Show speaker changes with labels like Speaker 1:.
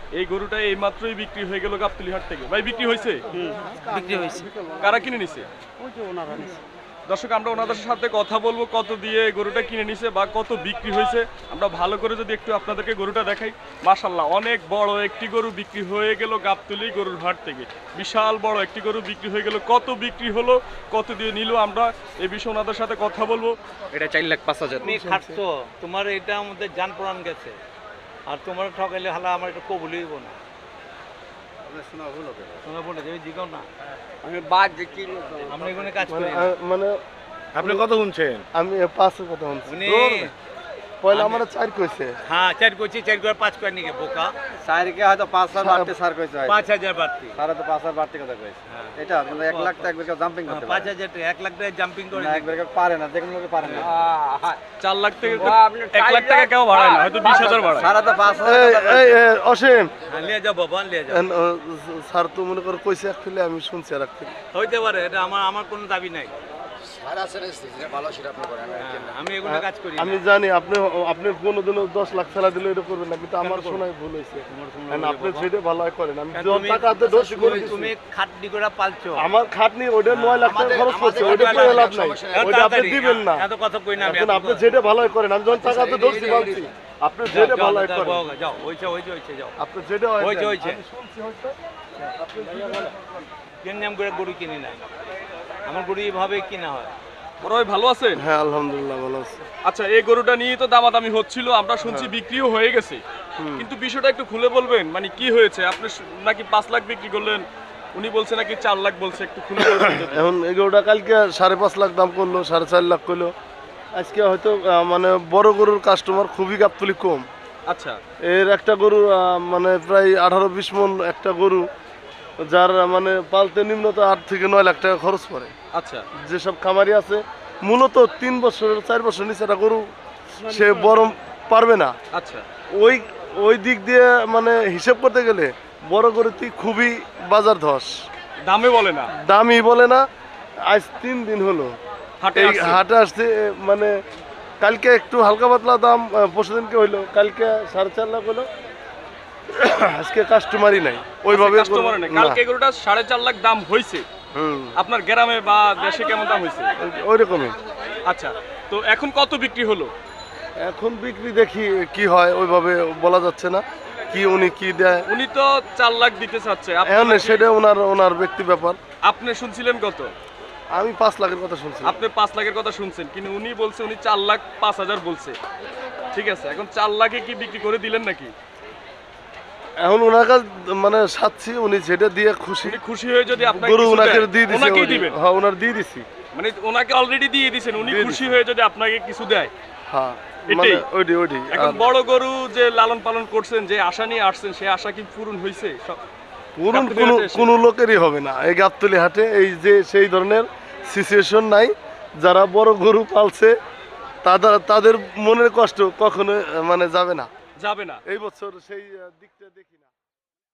Speaker 1: এই গরুটা এই মাত্রই বিক্রি হয়ে গেল গাবতলী হাট থেকে। ভাই বিক্রি হয়েছে?
Speaker 2: বিক্রি হয়েছে।
Speaker 1: কারা কিনে নিছে?
Speaker 2: ওই যে ওনারা নিছে।
Speaker 1: দর্শক আমরা ওনাদের সাথে কথা বলবো কত দিয়ে গরুটা কিনে নিছে বা কত বিক্রি হয়েছে। আমরা ভালো করে যদি একটু আপনাদেরকে গরুটা দেখাই, মাশাআল্লাহ অনেক বড় একটি গরু বিক্রি হয়ে গেল গাবতলী গরুর হাট থেকে। বিশাল বড় একটি গরু বিক্রি হয়ে গেল। কত বিক্রি হলো, কত দিয়ে নিল, আমরা এই বিষয়ে ওনাদের সাথে কথা বলবো।
Speaker 3: এটা 4,05,000।
Speaker 2: তুমি খাটছো, তোমার এটা আমাদের জান প্রাণ গেছে, আর তোমার ঠকাইলে হালা আমার এটা কবুলই হইব না। শোনা বলে যাবে জিগাও না,
Speaker 4: আমি বাদ দেখি
Speaker 2: আমরা এখানে কাজ করি না।
Speaker 5: মানে
Speaker 3: আপনি কত শুনছেন?
Speaker 5: আমি 5 কথা শুনছি।
Speaker 2: উনি
Speaker 5: পয়লা আমার 4 কইছে।
Speaker 2: হ্যাঁ 4 কইছি, 4 করে 5 করে নিকে বোকা।
Speaker 4: স্যারকে হয়তো 5,000 বাড়তে স্যার কইছে
Speaker 2: 5,000 বাড়তি।
Speaker 4: স্যার তো 5,000 বাড়তে কথা কইছে। এটা মানে 1 লাখ টাকা একবার জাম্পিং করতে পারে
Speaker 2: 5,000 টাকা 1 লাখ টাকা জাম্পিং করে
Speaker 4: না, একবার পারে না, দেখুন লোকে পারে না।
Speaker 1: 4 লাখ থেকে 1 লাখ টাকা কেউ ভাড়ায় না, হয়তো 20,000 ভাড়ায়।
Speaker 4: স্যার তো 5,000
Speaker 5: এই অসীম
Speaker 2: লিয়ে যাও বাবা, লিয়ে যাও।
Speaker 5: স্যার তো মনে করে কইছে একচুয়ালি আমি শুনছি আর একচুয়ালি
Speaker 2: হইতে পারে, এটা আমার কোনো দাবি নাই।
Speaker 4: স্যার আছে না, যেটা ভালো সেটা আপনি করেন।
Speaker 2: আমি এখানে কাজ করি না।
Speaker 5: আমি জানি আপনি কোনোদিনও 10 লাখ ফেলা দিলে এটা করবেন না, কিন্তু আমার শোনায় ভুল হয়েছে। আপনি যেটা ভালো হয় করেন, আমি যত টাকা হাতে দোষী করে দিছি।
Speaker 2: তুমি খাটনি করে পালছো।
Speaker 5: আমার খাটনি ওটা 9 লাখ টাকা খরচ করছে, ওটা কোনো লাভ নাই, ওটা আপনি দিবেন না।
Speaker 2: এত কথা কই না আমি।
Speaker 5: এখন আপনি যেটা ভালো হয় করেন, আমি যখন টাকা হাতে দোষী বলছি আপনি যেটা ভালো হয় করেন।
Speaker 2: যাও, ওইছে যাও।
Speaker 5: আপনি যেটা হয়
Speaker 2: হইছে,
Speaker 5: দেন।
Speaker 2: হইছে।
Speaker 5: আমি শুনছি হয়তো আপনি
Speaker 2: কেন নাম করে গরু কিনি না, আমার গরু এইভাবে কিনা হয়।
Speaker 1: বড় ভাই ভালো আছেন?
Speaker 5: হ্যাঁ আলহামদুলিল্লাহ ভালো আছি।
Speaker 1: আচ্ছা, এই গরুটা নিয়ে তো দামাদামি হচ্ছিল, আমরা শুনছি বিক্রিও হয়ে গেছে, কিন্তু বিষয়টা একটু খুলে বলবেন, মানে কি হয়েছে? আপনি নাকি 5 লাখ বিক্রি করলেন, উনি বলছে নাকি 4 লাখ বলছে, একটু খুলে বলবেন যদি।
Speaker 5: এখন এগুলোটা কালকে 5.5 লাখ দাম করলো, 4.5 লাখ করলো। আজকে হয়তো মানে বড় গরুর কাস্টমার খুবই গাবতলী কম।
Speaker 1: আচ্ছা,
Speaker 5: এর একটা গরু মানে প্রায় 18-20 মন একটা গরু, যার মানে পালতে নিম্নত 8 থেকে 9 লাখ টাকা খরচ পড়ে।
Speaker 1: আচ্ছা,
Speaker 5: যেসব খামারি আছে মূলত 3 বছর 4 বছর নিচে একটা গরু সে বড় পারবে না।
Speaker 1: আচ্ছা,
Speaker 5: ওই দিক দিয়ে মানে হিসেব করতে গেলে বড় গরুটি খুবই বাজার ধস,
Speaker 1: দামে বলে না,
Speaker 5: দামি বলে না। আজ 3 দিন হলো
Speaker 1: হাটে
Speaker 5: এই
Speaker 1: আসছে।
Speaker 5: হাটে আসছে, মানে কালকে একটু হালকা পাতলা দাম, পরশু দিনকে হইলো, কালকে 4.5 লাখ হলো। আজকে কাস্টমারই নাই ওইভাবে।
Speaker 1: কাস্টমার নেই। কালকে গরুটা 4.5 লাখ দাম হইছে। আপনার গ্রামে বা দেশে কেমন দাম হইছে?
Speaker 5: ওই রকমই।
Speaker 1: আচ্ছা, তো এখন কত বিক্রি হলো?
Speaker 5: এখন বিক্রি দেখি কি হয়, ওইভাবে বলা যাচ্ছে না কি উনি কি দেয়।
Speaker 1: উনি তো 4 লাখ দিতে চাচ্ছে,
Speaker 5: এখন সেটা ওনার ব্যক্তি ব্যাপার।
Speaker 1: আপনি শুনছিলেন কত?
Speaker 5: আমি 5 লাখের কথা শুনছি।
Speaker 1: আপনি 5 লাখের কথা শুনছেন, কিন্তু উনি বলছে উনি 4,05,000 বলছে। ঠিক আছে, এখন 4 লাখে কি বিক্রি করে দিলেন নাকি?
Speaker 5: এখন ওনার কাছে মানে সাচ্ছি, উনি যেটা দিয়ে খুশি।
Speaker 1: উনি খুশি হয়ে যদি আপনাকে
Speaker 5: গরু
Speaker 1: কিছু
Speaker 5: ওনাকে
Speaker 1: দেয়,
Speaker 5: দিয়ে দিছি।
Speaker 1: ওনাকেই দিবেন।
Speaker 5: হ্যাঁ ওনার দিয়ে দিছি।
Speaker 1: মানে ওনাকে অলরেডি দিয়ে দিবেন, উনি
Speaker 5: দিয়ে
Speaker 1: খুশি
Speaker 5: দিছি।
Speaker 1: হয়ে যদি আপনাকে কিছু দেয়।
Speaker 5: হ্যাঁ
Speaker 1: এটাই।
Speaker 5: মানে ওইটি।
Speaker 1: এখন বড় গরু যে লালন পালন করছেন, যে আশা নিয়ে আসছেন, সেই আশা কি পূরণ হয়েছে?
Speaker 5: পুরুন
Speaker 1: গাবতলী হাটে এসে।
Speaker 5: কোনো লোকেরই হবে না এই গাবতলী হাটে, এই যে সেই ধরনের সিচুয়েশন নাই। যারা বড় গরু পালছে তাদের মনের কষ্ট কখনো মানে যাবে না।
Speaker 1: যাবে না।
Speaker 5: এই বছর সেই দিকটা দেখি না।